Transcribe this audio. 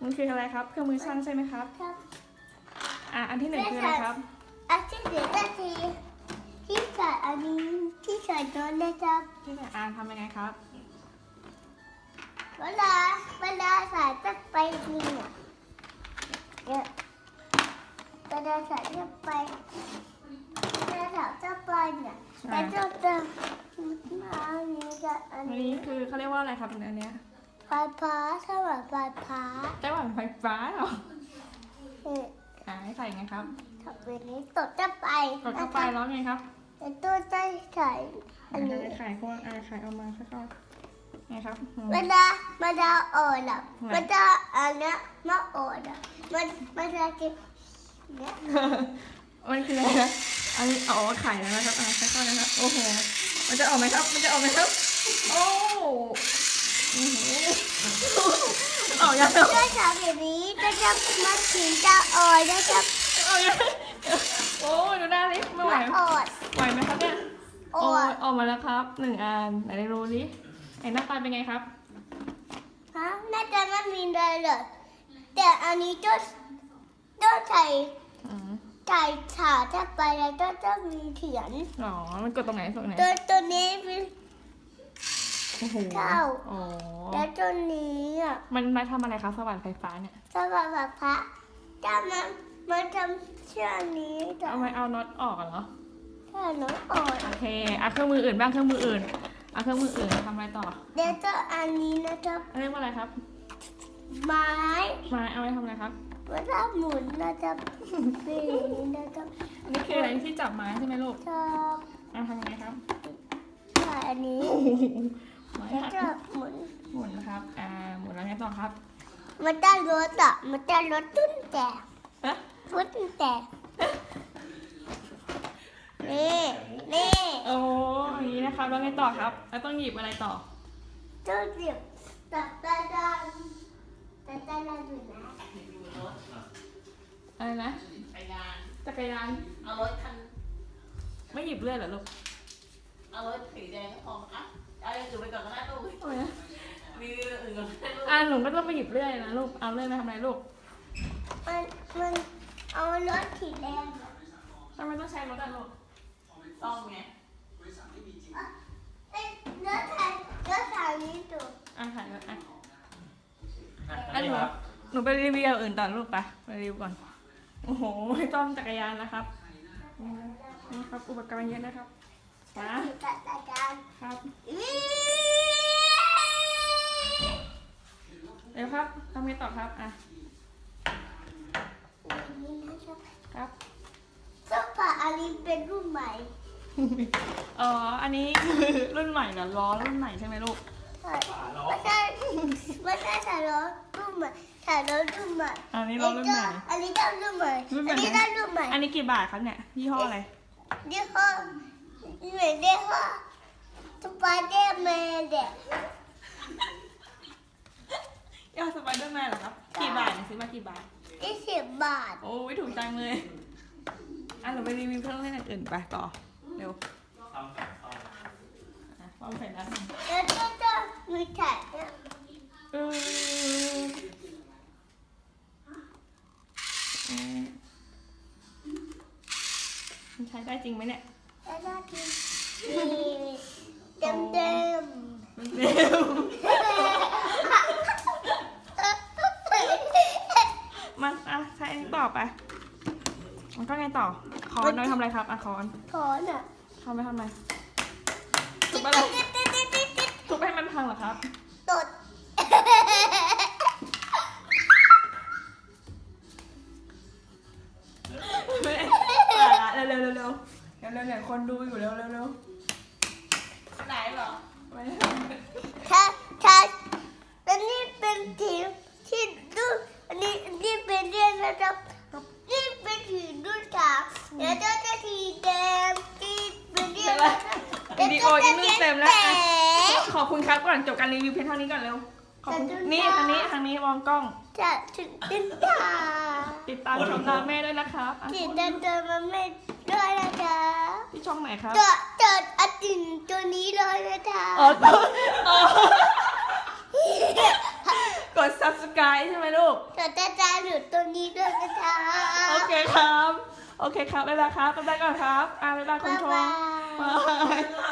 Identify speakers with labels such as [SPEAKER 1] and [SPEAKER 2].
[SPEAKER 1] มันคืออะไรครับเครื่องมือช่างใช่ไหมครับ
[SPEAKER 2] ครับ
[SPEAKER 1] อันที่หนึ่งคืออะไรครับ
[SPEAKER 2] อันที่หนึ่งก็คือที่ใส่อันนี้ที่ใส่โน้ตนะครับ
[SPEAKER 1] ที่ไหนทำยังไงครับ
[SPEAKER 2] เวลาใส่จะไปเนี่ยเวลาใส่จะไปเนี่ยแล้วจะมาอันนี้กับอัน
[SPEAKER 1] อัน
[SPEAKER 2] นี้
[SPEAKER 1] นี้คือเขาเรียกว่าอะไรครับอันเนี้ย
[SPEAKER 2] ไฟฟ้าสว่างไฟฟ้า
[SPEAKER 1] ไต้หวันไฟฟ้าเหรอ
[SPEAKER 2] เนี่ย
[SPEAKER 1] ให้ใส่ไงครับ
[SPEAKER 2] ทำแบบนี้ตดจะไป
[SPEAKER 1] กดเข้าไปแล้วไงครับ
[SPEAKER 2] แล้วตัวจะใส่อันนี้
[SPEAKER 1] ไข่พวกไข่เอามาค่อยๆไงครับ
[SPEAKER 2] เวลาอ่อนอ่ะมันจะอันเนี้ยมาอ่อนอ่ะมันจะกินเนี่ย
[SPEAKER 1] มันคืออะไรนะอันนี้ไข่แล้วนะครับค่อยๆนะครับโอ้โหมันจะออกไหมครับมันจะออกไหมครับโอ้ออกยัง
[SPEAKER 2] ถ้าทำแบบนี้จะมาถึงจะอ่อนจะ
[SPEAKER 1] ออกยังโอ้ยดูหน้าลิไม่ไหว
[SPEAKER 2] อ่อน
[SPEAKER 1] ไหวไหมครับเนี่ย
[SPEAKER 2] อ่อน
[SPEAKER 1] ออกมาแล้วครับ1 อันไหนดูดิไอ้หน้าตาเป็นไงครับ
[SPEAKER 2] ฮะน่าจะไม่มีอะไรเลยแต่อันนี้ต้องใส่ฉาถ้าไปแล้วจะมีเขียน
[SPEAKER 1] อ๋อมันกดตรงไหนตรงไหน
[SPEAKER 2] ตัวนี้เป็น
[SPEAKER 1] โอ้โห
[SPEAKER 2] เข้า
[SPEAKER 1] อ๋อ
[SPEAKER 2] แล้วตัวนี้อ่ะ
[SPEAKER 1] มันมาทำอะไรคะสว่านไฟฟ้าเนี่ย
[SPEAKER 2] สว่างพระจะมันทำเชือกนี้แต่
[SPEAKER 1] เอาไว้เอาน็อตออกเหรอ
[SPEAKER 2] ถ้าน้องอ่อน
[SPEAKER 1] โอเคเครื่องมืออื่นบ้างเครื่องมืออื่นเครื่องมืออื่นทำอะไรต่อ
[SPEAKER 2] เดี๋ยวจะอันนี้นะครับ
[SPEAKER 1] เรียกว่าอะไรครับ
[SPEAKER 2] ไม้
[SPEAKER 1] มาเอาไว้ทำอะไรครับ
[SPEAKER 2] เวลาหมุนนะครับนี่นะครับ
[SPEAKER 1] อันนี้คืออะไรที่จับไม้ใช่ไหมลูก
[SPEAKER 2] ชอบ
[SPEAKER 1] ทำยังไงครับ
[SPEAKER 2] ใส่อันนี้
[SPEAKER 1] ไม้
[SPEAKER 2] แล้วก็หมุน
[SPEAKER 1] หมุนนะครับหมุนแล้วไงต่อครับ
[SPEAKER 2] มันจะลดอ่ะมันจะลดตุ้นแต่
[SPEAKER 1] ฮะ
[SPEAKER 2] ตุ้นแต่นี่
[SPEAKER 1] โอ้อย่างนี้นะครับแล้วไงต่อครับแล้วต้องหยิบอะไรต่อ
[SPEAKER 2] ตู้เสียบตัดอยู่นะ
[SPEAKER 1] อะไรนะ
[SPEAKER 3] ไปงาน
[SPEAKER 1] จักรยาน
[SPEAKER 3] เอารถคัน
[SPEAKER 1] ไม่หยิบเลื่อยเหรอลูก
[SPEAKER 3] เอารถสีแดงก็พออ่ะเอาอย่างอื่นไปก่อนก็ได้ลูก
[SPEAKER 1] ทำไมนะ
[SPEAKER 3] มีอย่างอื่นก่อนก็ได้ลูก
[SPEAKER 1] หนูก็ต้องไปหยิบเลื่อยนะลูกเอาเลื่อยมาทำอะไรลูก
[SPEAKER 2] มันเอารถสีแดง
[SPEAKER 1] ทำไมต้องใช้รถอะลูก
[SPEAKER 3] ต้องไง
[SPEAKER 2] เอ้ยรถทางนี้ดู
[SPEAKER 1] ถ่ายรถหนูไปรีวิวอื่นต่อลูกไปรีวิวก่อนโอ้โหไม่ต้องจักรยานนะครับนี่ครับอุปกรณ์เยอะนะครับมา
[SPEAKER 2] จัดการ
[SPEAKER 1] ครับ
[SPEAKER 2] อี
[SPEAKER 1] เร็วครับทำไงต่อครับ
[SPEAKER 2] นี่นะครับ
[SPEAKER 1] ครับ
[SPEAKER 2] เสื้อผ้าอันนี้เป็นรุ่นใหม่
[SPEAKER 1] อันนี้คือรุ่นใหม่เหรอล้อรุ่นใหม่ใช่ไหมลูก
[SPEAKER 2] ไม่ใช่ถ่ายรถรุ่นใหม่ถ่ายรถรุ่นใหม่
[SPEAKER 1] อันนี้ล้อรุ่นใหม่
[SPEAKER 2] อันนี้ก็รุ่นใหม่
[SPEAKER 1] รุ่นใหม่
[SPEAKER 2] อันนี้ก็รุ่นใหม่
[SPEAKER 1] อันนี้กี่บาทครับเนี่ยยี่ห้ออะไร
[SPEAKER 2] ยี่ห้อเหมือนยี่ห้อสไปเดอร์แมนเด็ก
[SPEAKER 1] ยี่ห้อสไปเดอร์แมนเหรอครับกี่บาทเนี่ยซื้อมากี่บาท
[SPEAKER 2] 20 บาท
[SPEAKER 1] โอ้ยถูกจังเลยเราไปรีวิวเครื่องเล่นอื่นไปต่อเร็วความเสร็จแล้ว
[SPEAKER 2] แล้วก็จะมีถ่ายเนี่ย
[SPEAKER 1] มันใช้ได้จริงไหมเนี่ย
[SPEAKER 2] แล้วก็คือเต็มเต็ม
[SPEAKER 1] มันเร็วมันใช้อันนี้ต่อไปมันก็ไงต่อคอนน้อยทำอะไรครับคอน
[SPEAKER 2] ถอนอ่ะ
[SPEAKER 1] ทำไปทำไมทุบอะไรทุบให้มันพังเหรอครับ
[SPEAKER 2] ตด
[SPEAKER 1] ไม่เร็วคนดูอยู่เร็ว
[SPEAKER 3] ไหนเหรอ
[SPEAKER 2] ถ้าอันนี้เป็นทีมที่ดูอันนี้เป็นเรื่องนะครับนี่เป็นทีมดูฉากแล้วก็จะทีแดงที่เป็นเรื่องนะครับ
[SPEAKER 1] วิดีโอยังไม่เต็มแล้วขอบคุณครับก่อนจบการรีวิวเพียงเท่านี้ก่อนเร็วขอบคุณนี่ทางนี้มองกล้อง
[SPEAKER 2] จะถึงติดตา
[SPEAKER 1] ติดตามชมตามแม่ด้วยนะครับ
[SPEAKER 2] ติดตามตัวมันไม่ด้วยนะคะ
[SPEAKER 1] ที่ช่องไหนครับ
[SPEAKER 2] จดอตินตัวนี้เลยนะคะ
[SPEAKER 1] กด subscribe ใช่ไหมลูก
[SPEAKER 2] กดติดตามอยู่ตรงนี้ด้วยนะคะ
[SPEAKER 1] โอเคครับ โอเคครับบ๊ายบายครับบ๊ายบายก่อนครับบ๊ายบายคุณชม
[SPEAKER 2] บ๊ายบาย
[SPEAKER 1] บาย